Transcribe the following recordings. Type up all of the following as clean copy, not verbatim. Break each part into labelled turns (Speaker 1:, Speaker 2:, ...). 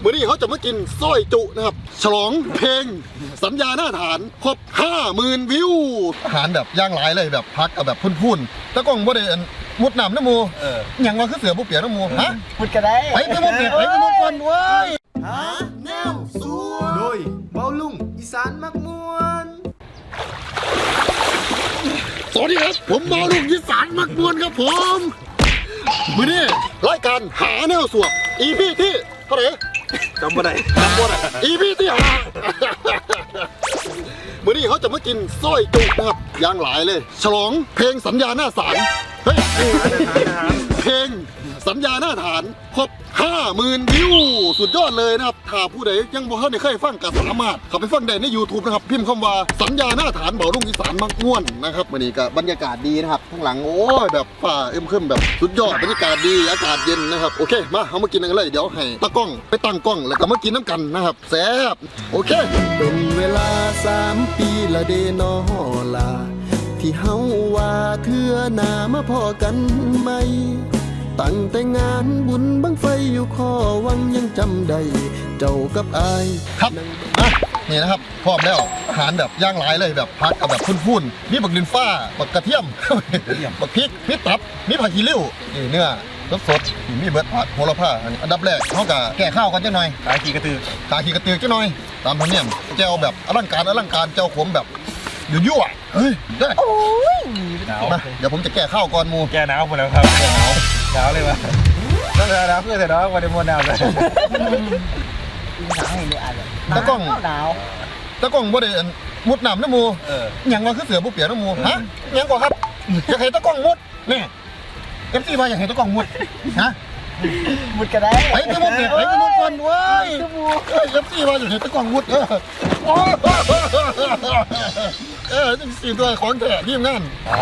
Speaker 1: วันนี้เขาจะมากินสร้อยจุนะครับฉลองเพลงสัญญาหน้าฐานครบ 50,000 วิวอาหารแบบย่างหลายเลยแบบพักกับแบบพุ่นๆแล้วก็บ่ได้มุดน้ำน้ำมูอย่างว่าคือเสือบุเปียกน้ำมูฮะ
Speaker 2: มุดก็ได้
Speaker 1: ไปมุดเปียกไปมุดก่อนเว้ย
Speaker 2: หาแนวสัวโดยเบาลุงอีสานมักมวน
Speaker 1: สวัสดีครับผมเบาลุงอีสานมักมวนครับผมวันนี้รายการหาแนวสัว EP ที่เท่าไหร่
Speaker 2: จำบ่ได้
Speaker 1: EP ที่5วันนี้เขาจะมากินสร้อยจุนะครับย่างหลายเลยฉลองเพลงสัญญาหน้าศาลเฮ้ยเพลงสัญญาหน้าฐานครบ 50,000 วิวสุดยอดเลยนะครับถ้าผู้ใดยังบ่เคยฟังก็สามารถเข้าไปฟังได้ใน YouTube นะครับพิมพ์คำว่าสัญญาหน้าฐานเบาลุงอีสานมักม่วนนะครับวันนี้ก็บรรยากาศดีนะครับข้างหลังโอ้ยแบบฟ้าอึมครึมแบบสุดยอดบรรยากาศดีอากาศเย็นนะครับโอเคมาเอามากินกันเลยเดี๋ยวให้ตากล้องไปตั้งกล้องแล้วก็มากินน้ำกันนะครับแซ่บโอเค
Speaker 2: เป็นเวลา3 ปีละเดนอลาที่เฮาว่าเทื่อหน้ามาพอกันไหมตั้งแต่งานบุญบังไฟอยู่ข้อวังยังจำได้เจ้ากับอาย
Speaker 1: ครับนี่นะครับพร้อมแล้วอาหารแบบย่างหลายเลยแบบพักกับแบบพุ่นๆมีบักดินฟ้าบักกระเทียมบักพริกมีตับมีผักขี้ริ้วนี่เนื้อสดๆมีเบิร์ดผัดโหระพาอันดับแรกเขาก็แก่ข้าวกันจังหน่อย
Speaker 2: ตาขี้กระตือ
Speaker 1: จังหน่อยตามธรรมเนียมแจ่วแบบอลังการแจ่วขมแบบยั่วเฮ้ยได้
Speaker 2: โอ้ย
Speaker 1: มาเดี๋ยวผมจะแก้ข้าวก่อนมู
Speaker 2: แก้หนาวหมดแล้วครับแก้หนาวเลยวะต้องหนาวเพื่อแต่น้องวันเดมวนหนาวเลยหนาวให้เลยอ่ะ
Speaker 1: ตะก้อง
Speaker 2: หนาว
Speaker 1: บ่ได้มุดน้ำน้ำมูอย่างว่าคือเสือบุเปียกน้ำมูฮะยังกว่าครับอยากให้ตะก้องมุดนี่FCว่าอยากให้ตะก้องมุดฮะ
Speaker 2: มุดก็ได้
Speaker 1: ไปมุดเปียกไปมุดก่อนเว้ยFCว่าอยากให้ตะก้องมุดจริงสี่ตัวของแท้ทีมงาน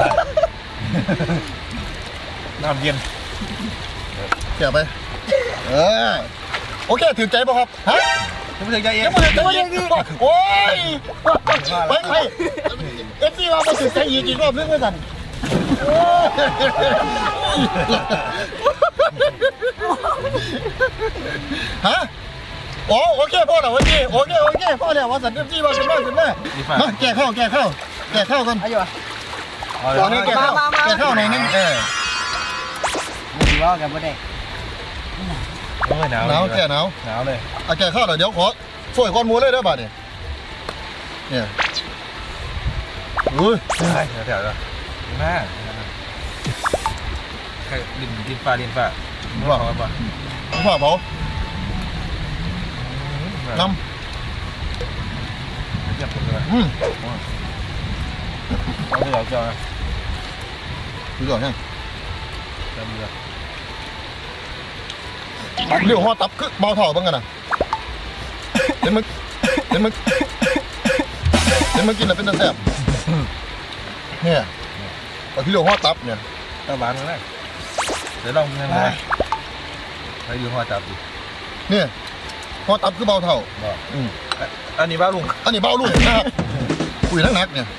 Speaker 2: น้ำเย็น
Speaker 1: เกี่ยวไปโอเคถือใจป่ะครับฮะ
Speaker 2: ยังไม่ถึงใจเอง
Speaker 1: โอ้ยไปเอฟซีว่ามาถือใจอีกรอบนึงไม่สั่นฮะโอเคพ่อเหรอโอเคพ่อแล้วว่าสั่นเอฟซีว่าสั่นมาแก่ข้าวกันตอนนี้แก่ข้าวหน่อยนึง
Speaker 2: ไม่ว่ากันไม่ได้
Speaker 1: หนาวแก่หนาว
Speaker 2: เลย
Speaker 1: แก่ข้าวเดี๋ยวขอช่วยก้อนหมูเลยได้ป่ะเนี่ยอุ้ย
Speaker 2: แถวๆน่าดินฟ้า
Speaker 1: ว่าเผาน้ำ
Speaker 2: เยี่ยมเลยเอาเรือจอ
Speaker 1: เรือแห้ง
Speaker 2: เรือ
Speaker 1: เรือหัวตับคือเบาเท่าบ้างกันนะเดี๋ยวมึงกินแล้วเป็นตะแสบเนี่ยเอาที่เรือหัวตับเนี่ย
Speaker 2: ตะบานกันเลยเดี๋ยวลองยังไงไปดูหัวตับดิ
Speaker 1: เนี่ยหัวตับคือเบาเท่า
Speaker 2: อันนี้เบาลุง
Speaker 1: นะครับคุยนักเนี่ย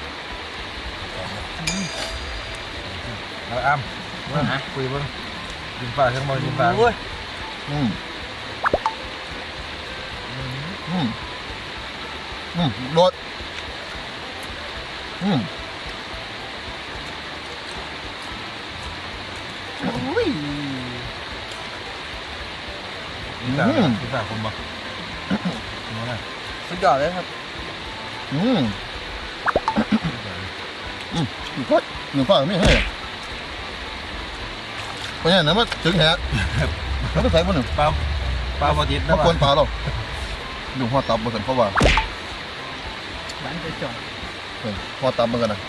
Speaker 2: เอาอ้ำคุยบ้างดินฟ้าทั้งหมดดินฟ้า
Speaker 1: โดด
Speaker 2: ดินฟ้าคมบ่สุดยอดเลยครับ
Speaker 1: หนึ่งฟ้าไม่ให้เพราะงั้นนะมันถึงแหะแล้วก็ใส่บนหนึ่ง
Speaker 2: ปลาบดิบ
Speaker 1: นะควรปลาหรอกดูหัวตับบนสันเพราะว่า
Speaker 2: บ้านจะจอด
Speaker 1: หัวตับมันกันนะ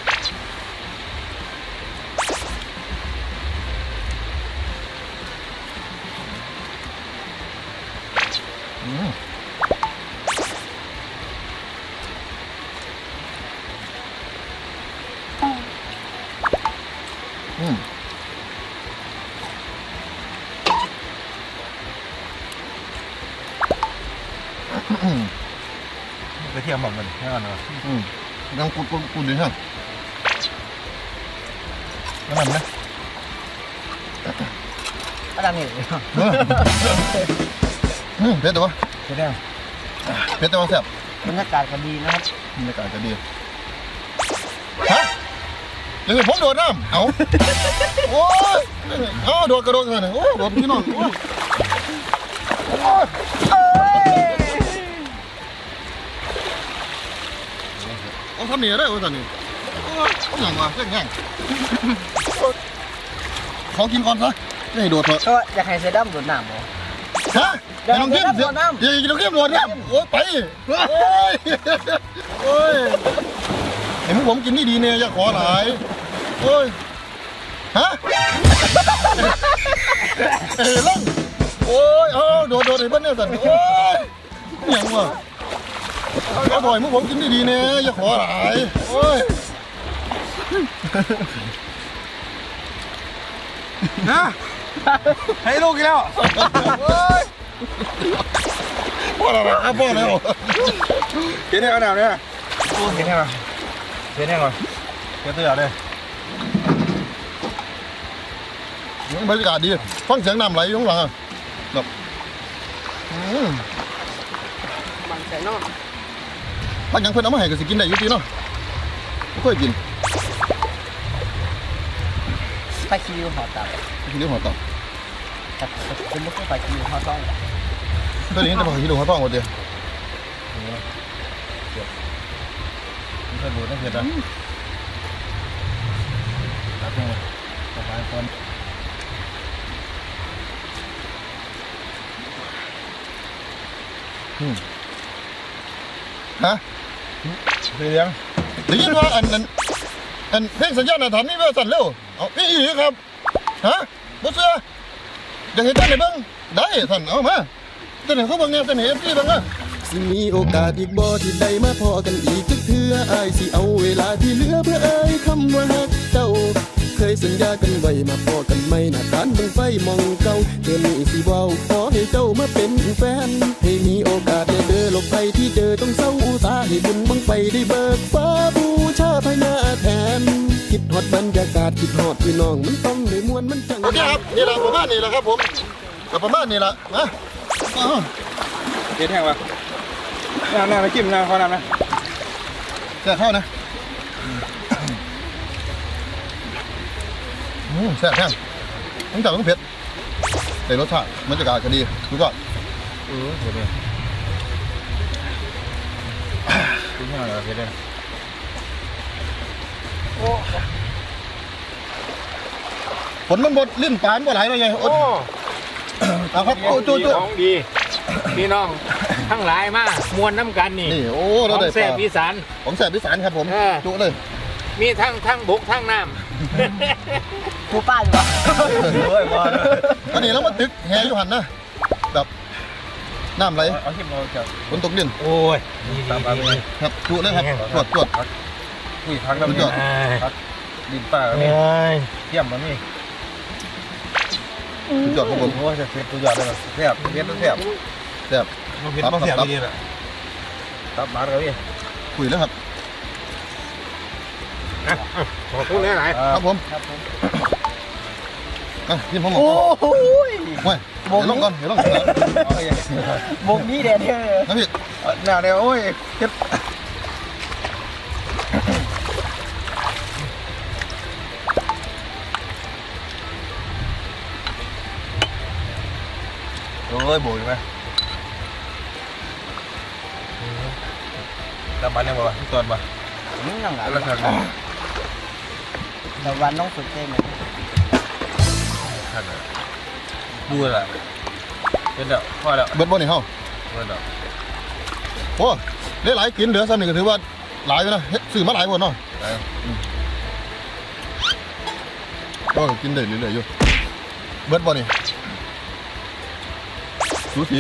Speaker 2: กระเทียมบอกมันแน่นอนเลย
Speaker 1: ยังกูดีฮะนั่นไหม
Speaker 2: อะไรนี่
Speaker 1: เผ็ดแต่ว่า
Speaker 3: เผ็ดแน่
Speaker 1: เผ็ดแต่ว่าแซ่บบ
Speaker 3: รรยากาศก็ดีนะครับ
Speaker 1: บรรยากาศจะดีฮะยังไงผมโดดน้ำเอาโอ้ยเอาโดดกระโดดกันเลยโอ้โดดพี่น้องโอ้ยเอาทำเหนียวได้โอ้สันนี่โอ้ยเอาอย่างวะเรื่องง่ายขอกินก่อนซะไม่ให้โดดเถอะ
Speaker 3: ก็อยากให้เซดัมโดดน้ำบ่
Speaker 1: ฮะอย่าลงเข้มเดี๋ยวอย่าลงเข้มโดดน้ำโอ้ยไปโอ้ยโอ้ยเห็นพวกผมกินนี่ดีเนี่ยอย่าขอหลายโอ้ยฮะเอ้ยล่องโอ้ยเอาโดดไอ้บ้านเนี่ยสันโอ้ยอย่างวะเอาบ่อยมึงผมกินดีๆเนี่ยอย่าขอหลายโอ้ย
Speaker 4: นะให้ลูกอีกแล้ว
Speaker 1: โอ้ยพ่ออะไรครับพ่อแล้ว
Speaker 4: เห็นแน่เอาหนาวเนี่ยเห็นแน่ก่อนเห็นแน่ก่อนเดี๋ยวเตือนเลย
Speaker 1: บรรยากาศดีฟังเสียงน้ำไหลอยู่ข้างหลังอะแบบ
Speaker 3: บางแสนนอก
Speaker 1: พักยังเพิ่นเอามาให้ก็สิกินได้อยู่ดีเนาะบ่ค่อยกิน
Speaker 3: ไปคิวหอตับ
Speaker 1: กินเรื่องหัวต่อ
Speaker 3: แต่เป็นไม่ใช่ไปคิวหอซอย
Speaker 1: ตัวนี้จะมากินเรื่องหัวต่อหมดเดียว
Speaker 4: มันจะดูน่าเผ็ดนะตัดลงมาต่อไปคน
Speaker 1: ฮะ
Speaker 4: เลี้ยง
Speaker 1: ได้ยินว่าอันเพลงสัญญาณอาถรรพ์นี่ว่าสั่นเร็วเอานี่อีครับฮะบ่เชื่ออยากเห็นเต้นให้เบิ่งได้สั่นเอามาเต้นให้เขาเบิ่งเนี่ยเต้นให้ FC เบิ่งนะ
Speaker 2: สิมีโอกาสอีกบ่ที่ได้มาพอกันอีกจักเทื่ออายสิเอาเวลาที่เหลือเพื่อเอ่ยคำว่าฮักเจ้า เคยสัญญากันไว้มาพอกันไม่หน้าทานบังไฟมองเก่าเธอนี้สิเว้าขอให้เจ้ามาเป็นแฟน ให้มีโอกาสได้เดินหลบไปที่เจอต้องเศร้าอุตสาห์ให้บุญบังไฟได้เบิกฟ้าบูชาพญาแทน คิดฮอดบรรยากาศคิดฮอดพี่น้องมันต้องได้มวนมันจัง
Speaker 1: โอเคครับนี่แหละประมาณนี้แหละครับผมก็ประมาณนี้แหละนะอ้าว
Speaker 4: เห็นแห้งวะน้ำมาจิ้มน้ำขอน้ำนะ
Speaker 1: แซ่บเข้านะแซ่บแห้งต้องจับต้องเผ็ดแต่รสชาติบรรยากาศก็ดีดูก่อน
Speaker 4: เผ็ดเลยกินข้าวเหนียวเผ็ดเลย
Speaker 1: ผลมันบดลิ้นปานบ่ไหลเลยไงอดเอาครับโอ้จุ๊
Speaker 5: ของดี พี่น้องทั้งหลายมามวนน้ำกันนี่
Speaker 1: นี่โอ้
Speaker 5: ข
Speaker 1: เรา
Speaker 5: อง
Speaker 1: ได้ป
Speaker 5: แซ่บ
Speaker 1: ลา
Speaker 5: อีสาน
Speaker 1: ของแซ่บอีสานครับผม
Speaker 5: เออ
Speaker 1: จุเลย
Speaker 5: มีทั้งบกทั้งน้
Speaker 3: กูป้าอยู่ปะ
Speaker 4: โอ้ยบอล
Speaker 1: อันนี้เรามาตึกแหอยู่หันนะแบบน้ำไหล
Speaker 4: เอาจิ้มเราจะ
Speaker 1: ฝนตกดิน
Speaker 5: ำโอ้ยนี่
Speaker 4: ตามมาเลย
Speaker 1: ครับจุเลยครับตรวจ
Speaker 4: อุ้ยพักน้ำนี่พักดินป่าก็มี
Speaker 5: เอ้ย
Speaker 4: เยี่ยมมันนี่
Speaker 1: สุดยอดครับผม
Speaker 4: โอ้ยจะเผ็ดตัวยอดเลยแซ่บเผ็ดแล้วแซ่บ
Speaker 1: แซ่บ
Speaker 4: เผ็ดต้องแซ่บดีเลยตับหมาเลยพี่
Speaker 1: คุยแล้วครับ
Speaker 5: ขอบคุณหลาย
Speaker 1: ครับผม
Speaker 3: ครับผม
Speaker 1: อ่ะกินผมหมด
Speaker 3: โอ้โห
Speaker 1: เว้ยเดี๋ยวลงก่อนเดี๋ยวลงก่อน
Speaker 3: วงนี้เด็ดเด้อ
Speaker 1: นะพี่
Speaker 4: หน้าเนี่ยโอ้ยเผ็ดโอ้ยโบยไหมตาบันยังบ่วะที่ตอนบ่
Speaker 3: มึงยังไง
Speaker 4: แล้วทาง
Speaker 3: แต่วันน้องสุดเต้นเลย
Speaker 4: ทางดูละเป็นเด้อพอแล้ว
Speaker 1: เบิดบ่นี่เฮา
Speaker 4: เป็นเด้อ
Speaker 1: โอ้ได้หลายกินเหลือซ้ำนี่ก็ถือว่าหลายอยู่นะเฮ็ดซื้อมาหลายบ่เนาะก็กินได้เรื่อยๆอยู่เบิดบ่นี่สูสี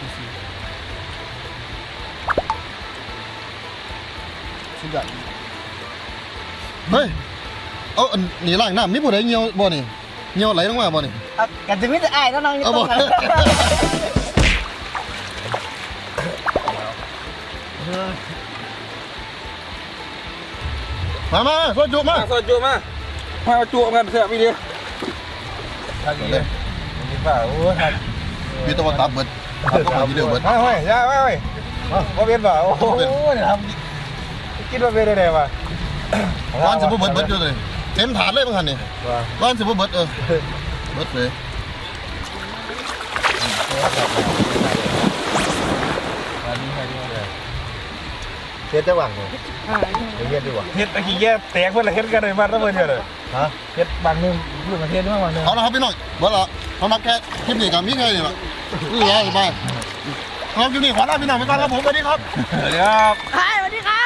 Speaker 3: สุดยอด
Speaker 1: เฮ้ยเอาอันนี่ล้างน้ำมีผู้ใดเหี่ยวบ่นี่เหี่ยวไหลลงมาบ่นี่
Speaker 3: อ่ะกันจะไม่ได้อายแล้วน้องนี่
Speaker 1: เอา
Speaker 3: ต้
Speaker 1: บ่
Speaker 3: องกัน
Speaker 1: มาโซจุมา
Speaker 4: มาสดจูมามาจูกันเสียพี่เดียวทางนี้เลยนี่ป่าโอ้ย
Speaker 1: พี่ตะวันตับเบิดครับก็มาที่เดียวเบิด
Speaker 4: มาเฮ้ยย่าเฮ้ยมาเป็นบ่โอ้โหเนี่ยทำคิดว่าเป็นได้ป่ะ
Speaker 1: ร้านสิบ่เบิดอยู่เลยเต็มถาดเลยบางคันนี่ร้านสิบ่เบิดเบิดเลย
Speaker 2: เฮ็ดจะหวังเลยเฮ็ดดีกว่า
Speaker 4: เฮ็ดตะกี้แย่แตกเพื่อนละเฮ็ดกันเลยมาแล้วเพื่อนเนี่ยเลย
Speaker 2: ฮะ
Speaker 4: เฮ็ดบางนึงพูดประเทศด้วยบางนึง
Speaker 1: เอาละครับพี่น้องเบิดละสำหรับแค่คลิปนี้กับมีแค่นี้ละนี่ไงไปครับคลิปนี้ขอลาพี่น้องไปก่อนครับผมสวัสดีครับ
Speaker 4: เดี๋ยว
Speaker 3: สวัสดีครับ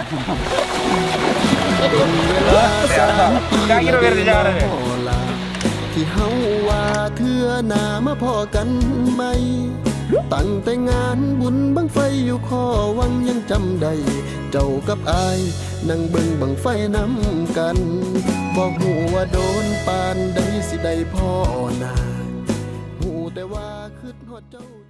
Speaker 2: เวลา3 ปีละเดนอลาที่เฮาว่าเทื่อหน้ามาพอกันไหมตั้งแต่งานบุญบังไฟอยู่ข้อวังยังจำได้เจ้ากับอายนั่งเบิ่งบังไฟน้ำกันบอกหูว่าโดนปานใดสิได้พ่อนาหูแต่ว่าคืดฮอดเจ้า